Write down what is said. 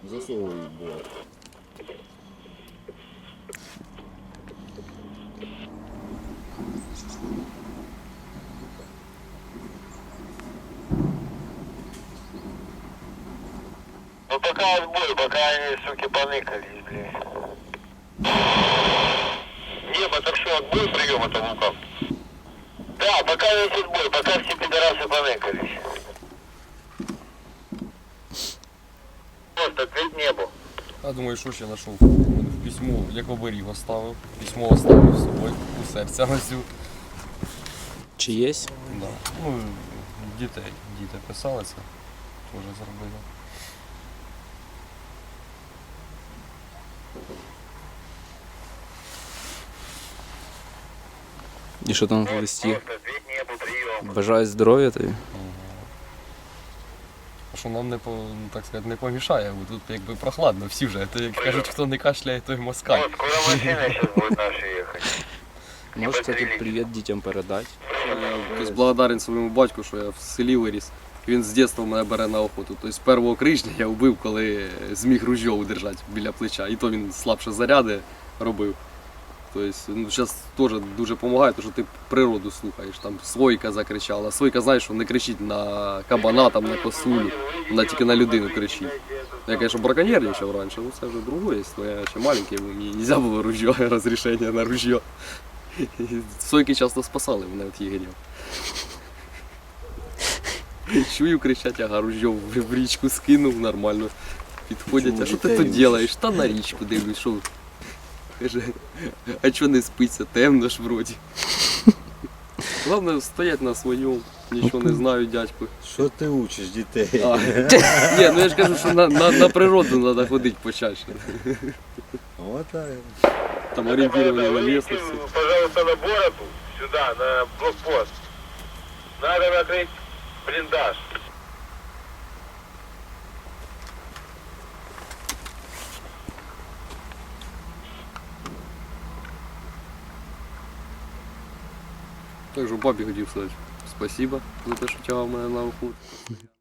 засовують було. Ну пока отбой, пока они, суки, поныкались, блин. Небо, так что, отбой прием, это Лука? Да, пока есть отбой, пока все пидорасы поныкались. Просто ответь небу. Я думаю, що ще знайшов. В письмо, як оберіг оставив. Письмо оставив з собою, у серця носю. Чи є? Да. Ну, діти писали це, теж зробили. І що там в листі? Просто ответь небу, прием. Бажаю здоров'я тобі. А що нам не так сказати, не помішає, бо тут якби прохладно, всі вже. То, як кажуть, хто не кашляє, той москаль. Вот, скоро машина сейчас будет наша ехать. Можете тут привіт дітям передати. Я благодарен своєму батьку, що я в селі виріс. Він з дитинства мене бере на охоту. Тобто першого крижня я вбив, коли зміг ружьо удержати біля плеча. І то він слабше заряди робив. Тобто, ну, зараз теж дуже допомагає, тому що ти природу слухаєш. Там Сойка закричала. Сойка, знаєш, що не кричить на кабана, там, на косулю, вона тільки на людину кричить. Я, звісно, браконьєрничав раніше, ну це вже другое, але я ще маленький, бо мені не можна було ружьо, розрішення на ружьо. Сойки часто спасали мене від єгерів. Чую, кричать, ага, ружьо в річку скинув, нормально. Підходять, а що ти тут робиш? Та на річку дивлюсь, що. Каже, а чого не спиться, темно ж вроді. Головне, стоять на своєму, нічого не знаю, дядьку. Що ти учиш дітей? Ні, ну я ж кажу, що на природу треба ходити почаще. Вот так. Там орієнтування на місцевості. Пожалуйста, на бороду, сюда, на блокпост. Надо накрыть блиндаж. Також бабі хотів сказати спасибо за те, що тягав мене на охоту.